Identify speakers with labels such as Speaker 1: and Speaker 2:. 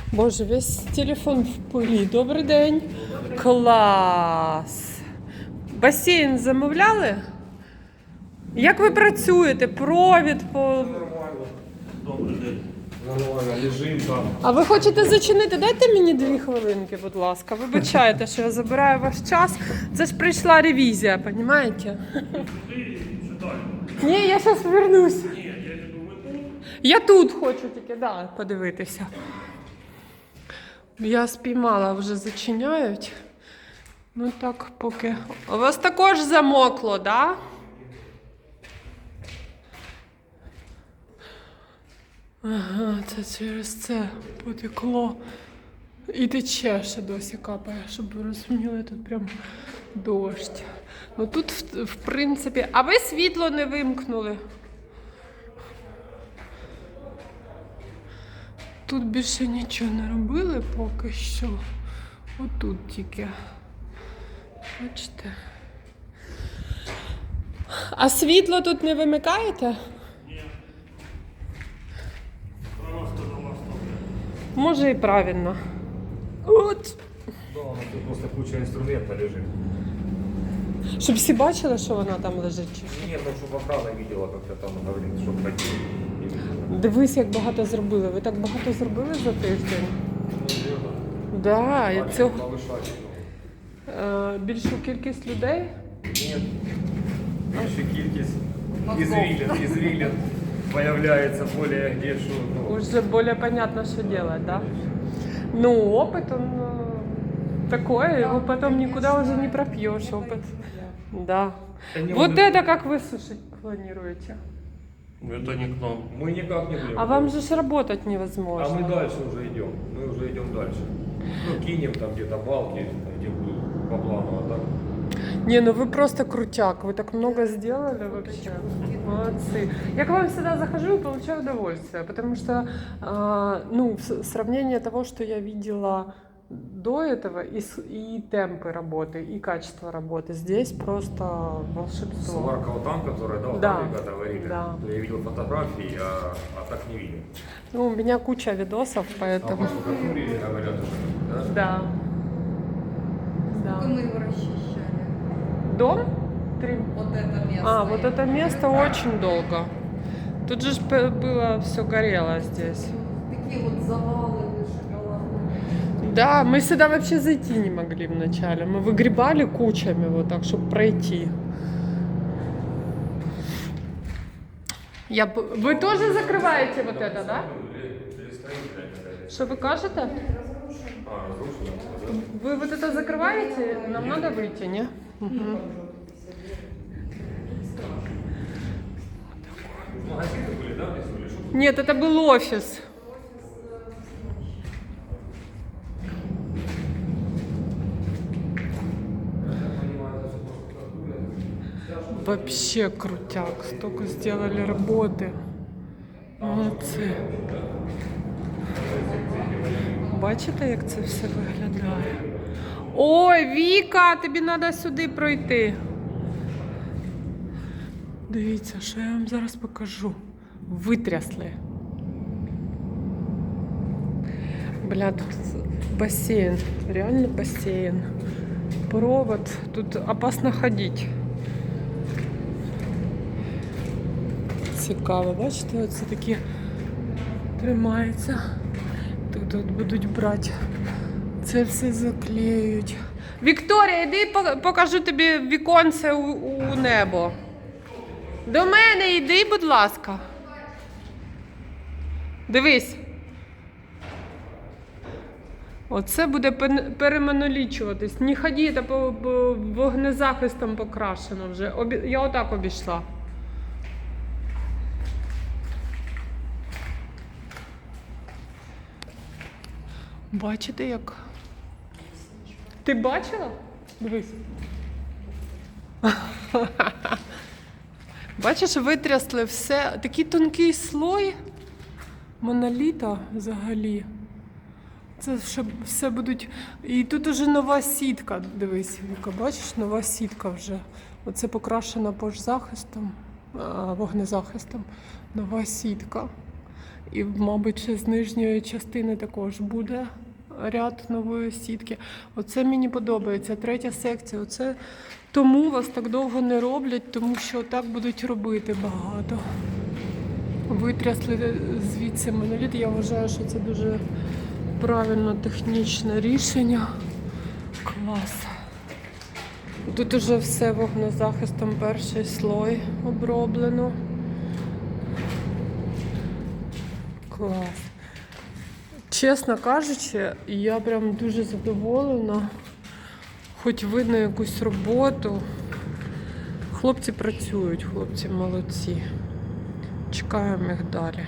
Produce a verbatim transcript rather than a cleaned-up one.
Speaker 1: Боже, весь телефон в пилі. Добрий день. Клас. Басейн замовляли? Як ви працюєте? Провід по...
Speaker 2: Нормально. Добрий день. Нормально, лежим там.
Speaker 1: А ви хочете зачинити? Дайте мені дві хвилинки, будь ласка. Вибачайте, що я забираю ваш час. Це ж прийшла ревізія, розумієте? Ні, я зараз повернусь.
Speaker 2: Ні, я тебе ви тут.
Speaker 1: Я тут хочу тільки, да, подивитися. Я спіймала, вже зачиняють. Ну так, поки. У вас також замокло, да? Ага, це через це потекло. І тече ще досі капає, щоб ви розуміли, тут прям дощ. Ну тут, в, в принципі, а ви світло не вимкнули? Тут більше нічого не робили поки що. Отут тільки. Бачите? А світло тут не вимикаєте?
Speaker 2: Ні. Просто до вас добре.
Speaker 1: Може і правильно. От.
Speaker 2: Да, ну тут просто куча інструменту лежить.
Speaker 1: Щоб всі бачили, що вона там лежить. чи що?
Speaker 2: Ні, ну щоб охрана видела, як я там говорить, щоб хотіли.
Speaker 1: Дивись, як багато зробили. Ви так багато зробили за тиждень?
Speaker 2: Ну,
Speaker 1: Да, я цього...
Speaker 2: повишати.
Speaker 1: Е, більшу кількість людей?
Speaker 2: Ні. Більша кількість ізвілин, ізвілин появляється більше, де що. Ну.
Speaker 1: Уже более понятно, что делать, да? Ну, опыт, он э, такой, его потом никуда уже не пропьешь, опыт. Да.
Speaker 2: Да не,
Speaker 1: Вот
Speaker 2: он-
Speaker 1: это как высушить планируете?
Speaker 2: Это не к нам. Мы никак не будем.
Speaker 1: А вам же ж работать
Speaker 2: А
Speaker 1: невозможно.
Speaker 2: мы дальше уже идем. Мы уже идем дальше. Ну, кинем там где-то балки, где будет по плану, а так.
Speaker 1: Не, ну вы просто крутяк, вы так много сделали вообще. Молодцы. Я к вам всегда захожу и получаю удовольствие, потому что, э, ну, в с- сравнение того, что я видела до этого, и, с- и темпы работы, и качество работы, здесь просто волшебство.
Speaker 2: Сварка вот там, которая, да, вот
Speaker 1: Да.
Speaker 2: там ребята говорили.
Speaker 1: Да.
Speaker 2: То я видел фотографии, а, а так не видел.
Speaker 1: Ну, у меня куча видосов,
Speaker 2: А
Speaker 1: поэтому...
Speaker 2: по штукатуре говорят, да?
Speaker 1: Да.
Speaker 3: Сколько
Speaker 1: Да.
Speaker 3: мы его расчищали?
Speaker 1: Дом? Три.
Speaker 3: Вот это место.
Speaker 1: А, вот это место очень долго. Тут же ж п- было все горело здесь.
Speaker 3: Такие вот завалы выше головы.
Speaker 1: Да, мы сюда вообще зайти не могли вначале. Мы выгребали кучами вот так, чтобы пройти. Я... б- Вы тоже закрываете вот это, да? Что вы кажете?
Speaker 2: А, разрушено? Да?
Speaker 1: Вы вот это закрываете? Нам надо выйти, не? Мгм.
Speaker 2: Магазины были, да, здесь были? Что?
Speaker 1: Нет, это был офис. Вообще крутяк, столько сделали работы. Молодці. Бачите, як це все виглядає? Ой, Віка, тобі треба сюди пройти. Дивіться, що я вам зараз покажу. Витрясли. Бля, тут бассейн. Реально бассейн. Провод. Тут опасно ходити. Цікаво, бачите, оце такі тримаються. Тут, тут будуть брати. Це все заклеюють. Вікторія, йди по- покажу тобі віконце у, у небо. До мене йди, будь ласка. Дивись. Оце буде пен- перемонолічуватись. Не ході, це по, по вогнезахистом покрашено вже. Обі... Я отак обійшла. Бачите, як? Ти бачила? Дивись. Бачиш, витрясли все. Такий тонкий слой моноліта взагалі. Це щоб все будуть. І тут уже нова сітка. Дивись, Віка, бачиш, нова сітка вже. Оце покрашена пожзахистом, а, вогнезахистом. Нова сітка. І, мабуть, ще з нижньої частини також буде ряд нової сітки. Оце мені подобається. Третя секція. Оце тому вас так довго не роблять, тому що так будуть робити багато. Витрясли звідси моноліт. Я вважаю, що це дуже правильно технічне рішення. Клас. Тут уже все вогнезахистом, перший слой оброблено. Клас. Чесно кажучи, я прям дуже задоволена. Хоч видно якусь роботу. Хлопці працюють, хлопці молодці. Чекаємо їх далі.